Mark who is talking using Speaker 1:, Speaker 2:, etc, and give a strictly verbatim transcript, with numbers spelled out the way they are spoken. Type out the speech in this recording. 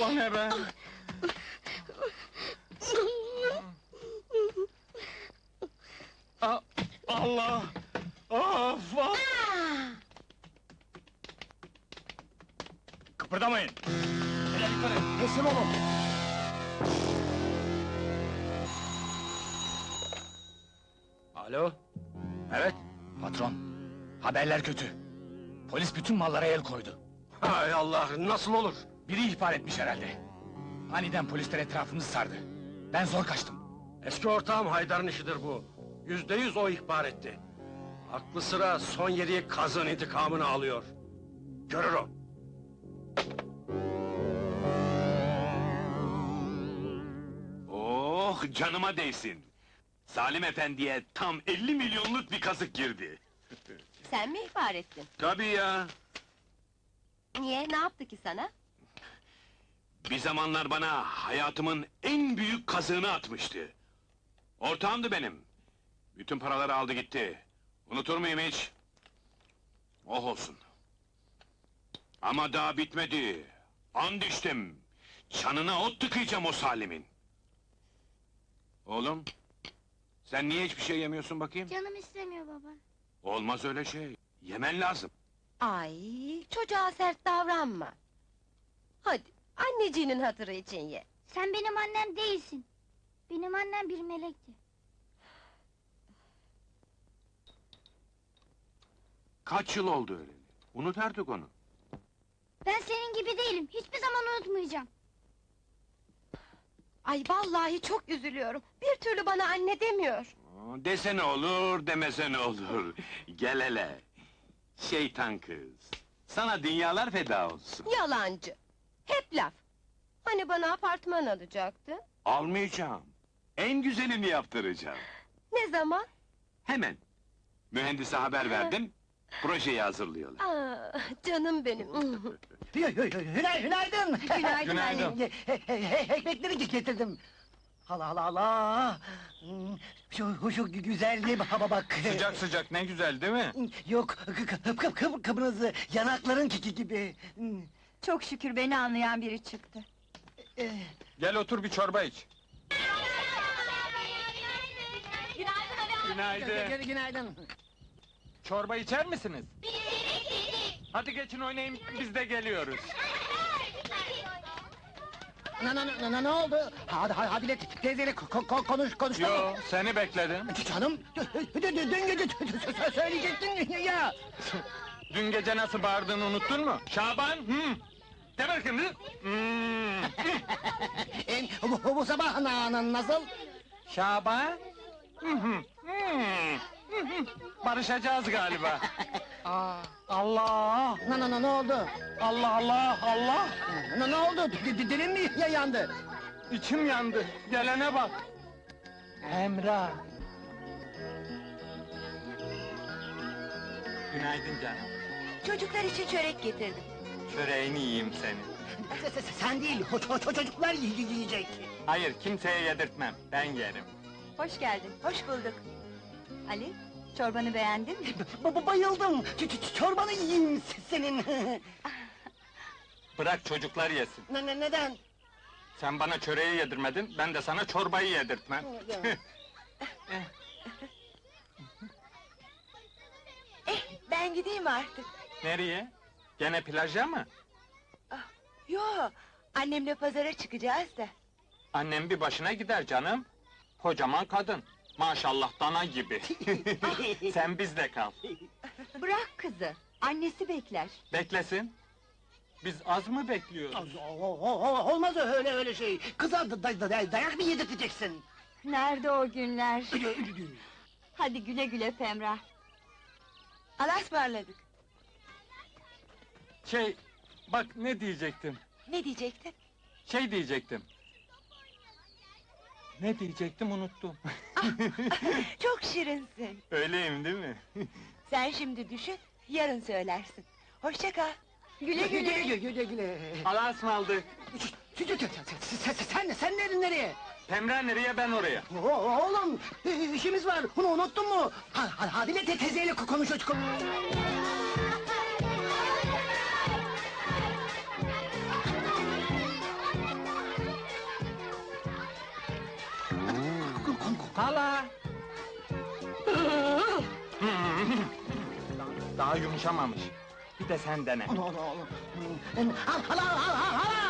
Speaker 1: O ne be? A- Allah! Of! Of! Kıpırdamayın! Hele yukarı!
Speaker 2: Teslim olun!
Speaker 1: Alo?
Speaker 3: Evet, patron. Haberler kötü. Polis bütün mallara el koydu.
Speaker 2: Hay Allah, nasıl olur?
Speaker 3: Biri ihbar etmiş herhalde. Aniden polisler etrafımızı sardı. Ben zor kaçtım.
Speaker 2: Eski ortağım Haydar'ın işidir bu. Yüzde yüz o ihbar etti. Aklı sıra son yediği kazın intikamını alıyor. Görür o.
Speaker 4: Oh, canıma değsin! Salim efendiye tam elli milyonluk bir kazık girdi.
Speaker 5: Sen mi ihbar ettin?
Speaker 4: Tabii ya!
Speaker 5: Niye, ne yaptı ki sana?
Speaker 4: Bir zamanlar bana hayatımın en büyük kazığını atmıştı. Ortağımdı benim. Bütün paraları aldı gitti. Unutur muyum hiç? Oh olsun! Ama daha bitmedi! And içtim! Çanına ot tıkayacağım o Salim'in! Oğlum, sen niye hiçbir şey yemiyorsun bakayım?
Speaker 6: Canım istemiyor baba.
Speaker 4: Olmaz öyle şey, yemen lazım.
Speaker 5: Ay, çocuğa sert davranma. Hadi, anneciğinin hatırı için ye.
Speaker 6: Sen benim annem değilsin. Benim annem bir melekti.
Speaker 4: Kaç yıl oldu öyle? Unut artık onu.
Speaker 6: Ben senin gibi değilim. Hiçbir zaman unutmayacağım.
Speaker 5: Ay vallahi çok üzülüyorum. Bir türlü bana anne demiyor.
Speaker 4: Aa, Desene olur, demesene olur. Gel hele! Şeytan kız! Sana dünyalar feda olsun.
Speaker 5: Yalancı. Hep laf. Hani bana apartman alacaktı?
Speaker 4: Almayacağım. En güzelini yaptıracağım.
Speaker 5: Ne zaman?
Speaker 4: Hemen. Mühendise haber verdim, projeyi hazırlıyorlar.
Speaker 5: Aa, canım benim.
Speaker 7: Günay, günaydın!
Speaker 5: Günaydın.
Speaker 1: Günaydın.
Speaker 7: Ekmekleri getirdim. Allah Allah Allah! Hmm, Şu, şu güzelliğe baba bak!
Speaker 1: Sıcak sıcak, ne güzel değil mi?
Speaker 7: Yok, kıp kıp kıp kıpırızı, yanakların kiki gibi! Hmm,
Speaker 5: Çok şükür beni anlayan biri çıktı.
Speaker 7: eh,
Speaker 1: Gel otur bir çorba iç. Günaydın.
Speaker 7: gü- Günaydın!
Speaker 1: Çorba içer misiniz? Hadi geçin oynayın, biz de geliyoruz.
Speaker 7: Ne, ne, ne, ne, ne oldu? Hadi, hadi, hadi, teyzeyle ko- ko- konuş, konuşma!
Speaker 1: Yo, seni bekledim.
Speaker 7: Canım, dün dün gece söyleyecektin ya!
Speaker 1: Dün gece nasıl bağırdığını unuttun mu? Şaban, hı? De bakayım, hı? Hmm.
Speaker 7: Em, bu, bu sabah na, na, nasıl?
Speaker 1: Şaban? Hı hı, hmm. Hı hı. Barışacağız galiba.
Speaker 7: Aa, Allah! Ne, ne, ne, ne oldu?
Speaker 1: Allah Allah, Allah!
Speaker 7: Ne, ne oldu? D- d- Dilin mi ya- yandı?
Speaker 1: İçim yandı, gelene bak! Emrah! Günaydın canım.
Speaker 5: Çocuklar için çörek getirdim.
Speaker 1: Çöreğini yiyeyim senin.
Speaker 7: Se- se- se- Sen değil, o, o- o çocuklar yi- yiyecek.
Speaker 1: Hayır, kimseye yedirtmem, ben yerim.
Speaker 5: Hoş geldin, hoş bulduk. Ali, çorbanı beğendin mi?
Speaker 7: Ba- ba- bayıldım! Ç- ç- çorbanı yiyeyim se- senin!
Speaker 1: Bırak çocuklar yesin.
Speaker 7: ne, ne, neden?
Speaker 1: Sen bana çöreği yedirmedin, ben de sana çorbayı yedirtmem.
Speaker 5: Eh, ben gideyim artık.
Speaker 1: Nereye? Gene plaja mı?
Speaker 5: Yo, annemle pazara çıkacağız da.
Speaker 1: Annem bir başına gider canım. Kocaman kadın. Maşallah dana gibi. Sen bizde kal.
Speaker 5: Bırak kızı, annesi bekler.
Speaker 1: Beklesin. Biz az mı bekliyoruz?
Speaker 7: O- o- o- Olmaz öyle öyle şey! Kıza da, da- da- dayak mı yedirteceksin?
Speaker 5: Nerede o günler? Hadi güle güle Femrah. Allah'a ısmarladık.
Speaker 1: Şey, bak ne diyecektim.
Speaker 5: Ne diyecektin?
Speaker 1: Şey diyecektim. Ne diyecektim unuttum.
Speaker 5: Çok şirinsin.
Speaker 1: Öyleyim değil mi?
Speaker 5: Sen şimdi düşün, yarın söylersin. Hoşça kal. Güle
Speaker 7: Güle
Speaker 5: güle.
Speaker 7: güle güle güle!
Speaker 1: Allah'a ısmarladık.
Speaker 7: Ç- ç- ç- Sen, sen, sen nereye, nereye?
Speaker 1: Pemre nereye ben oraya.
Speaker 7: O- Oğlum, işimiz var, bunu unuttun mu? Ha, ha, hadi de te- teyzeyle konuş, konuş.
Speaker 1: Daha yumuşamamış. Bir de sen dene.
Speaker 7: Hala hala hala hala!